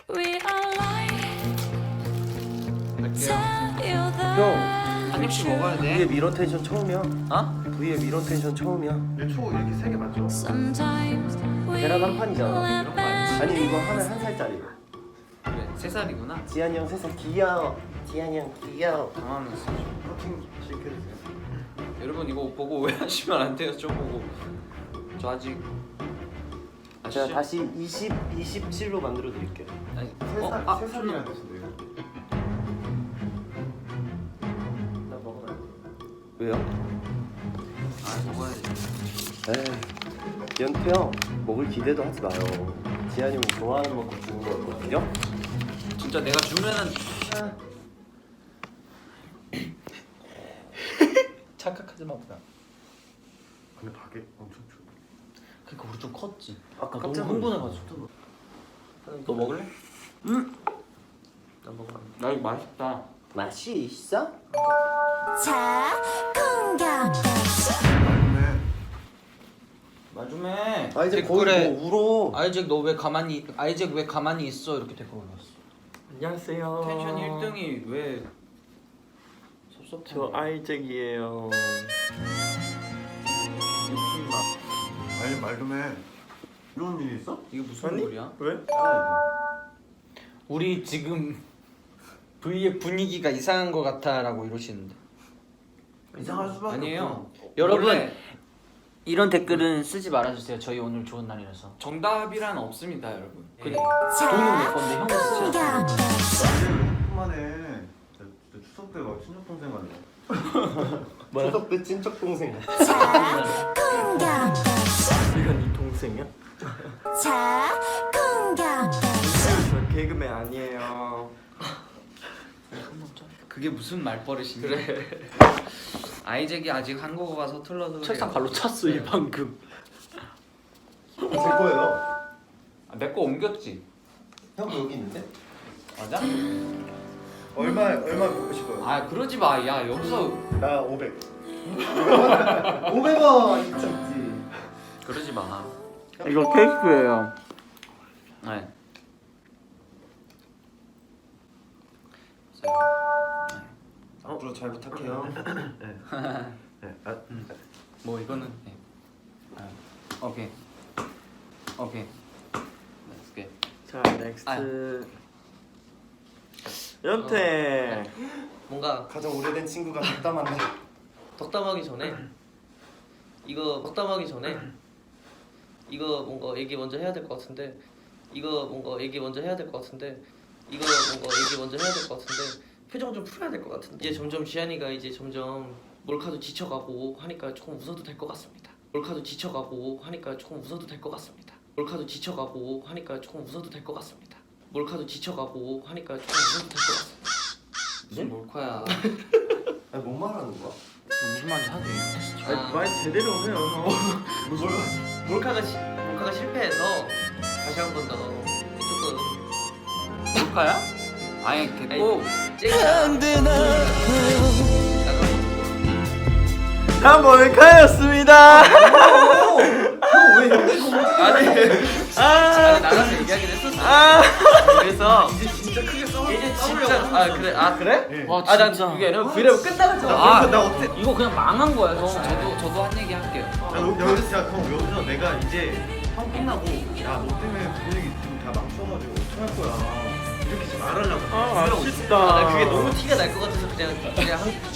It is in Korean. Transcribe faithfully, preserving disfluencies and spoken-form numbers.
형, 한 입씩 먹어야 돼. V의 미러 텐션 처음이야. 어? V의 미러 텐션 처음이야. 초 이렇게 세 개 맞죠? 계란 한 판이잖아. 이런 거 알지? 아니 이거 하면 한 살짜리. 그래, 세 살이구나. 지한이 형 세 살 귀여워. 지한이 형 귀여워. 당황했어. 커팅 시켜주세요. 여러분 이거 보고 오해하시면 안 돼요. 저 보고 저 아직 제가 아시죠? 다시 이십, 이십칠로 만들어 드릴게요. 아니, 세 어, 살, 아, 세 살이라는 뜻인데요. 나 먹어요. 왜요? 아 먹어야지. 에이, 연태 형 먹을 기대도 하지 마요. 지한이 형 좋아하는 만큼 주는 거거든요. 진짜 내가 주면은 착각하지 마 보다. 근데 가게 엄청 추워. 그러니까 우리 좀 컸지. 아까 너무 깜짝 흥분해가지고. 너 먹을래? 응. 나 먹어. 나 이거 맛있다. 맛이 있어? 자, 공격. 맞네. 마주매. 아 이제 댓글에 거의 뭐 울어. 아이잭 너 왜 가만히 아이잭 왜 가만히 있어 이렇게 댓글 올랐어. 안녕하세요. 텐션 일 등이 왜 섭섭해? 저 아이잭이에요. 아니 말 좀 해. 이런 일이 있어? 이게 무슨 아니? 소리야? 왜? 아 우리 지금 V의 분위기가 이상한 것 같아라고 이러시는데. 이거. 이상할 수밖에 아니에요. 없어. 여러분 원래 이런 댓글은 쓰지 말아주세요. 저희 오늘 좋은 날이라서. 정답이란 없습니다, 여러분. 그 네. 돈은 내 건데 형은 쓰지 않아. 만에 진짜 추석 때 막 친척 동생 만나. 추석 때 친척 동생. 자, 공격. 이건 네 동생이야? 자, 공격. 저 개그맨 아니에요. 그게 무슨 말버릇이니? 그래. 아이잭이 아직 한국어가 서툴러서 책상 발로 찼어 이 방금. 제 거예요. 아, 내 거 옮겼지. 형 여기 있는데? 맞아? 얼마 얼마 먹고 싶어요? 아 그러지 마. 야 여기서 나 오백. 오백 원 있지 있지. 그러지 마. 이거 케이크예요. 네. 앞으로 잘 부탁해요. 네. 네. 아, 뭐 이거는 네. 아, 오케이. 오케이. Let's get. 자, 넥스트. 아. 연태. 뭔가 가장 오래된 친구가 덕담한다. 덕담하기 전에 이거 덕담하기 전에 이거 뭔가 얘기 먼저 해야 될 것 같은데 이거 뭔가 얘기 먼저 해야 될 것 같은데 이거 뭔가 얘기 먼저 해야 될 것 같은데 표정 좀 풀어야 될 것 같은데 이제 점점 지한이가 이제 점점 몰카도 지쳐가고 하니까 조금 웃어도 될 것 같습니다. 몰카도 지쳐가고 하니까 조금 웃어도 될 것 같습니다. 몰카도 지쳐가고 하니까 조금 웃어도 될 것 같습니다. 몰카도 지쳐가고 하니까 조금 웃어도 될 것 같습니다. 무슨 몰카야? 아니 뭔 말하는 거야? 무슨 말인지 하지. 아, 말 제대로 해요. 몰, 몰카가 시, 몰카가 실패해서 다시 한 번 더 조금 몰카야? 아니 됐고. 다 몰카였습니다. 형왜 형이 아니 아니 나가서 얘기하긴 했었어. 그래서 이제 진짜 크게 싸우 이제 진짜 아 그래 아 그래? 네. 와 아난 진짜. 그게 아니라 브이로그 끝나갔잖아. 아, 나 어때? 이거 그냥 망한 거야 형. 저도 저도 한 얘기 할게요. 야, 너- 여기서 야, 그럼 여기서 내가 이제 형 끝나고 야, 너 때문에 분위기 지금 다 망쳐가지고 어떡할 거야. 이렇게 지금 말하려고. 아, 아쉽다. 아, 나 그게 너무 티가 날 것 같아서 그냥 그냥 한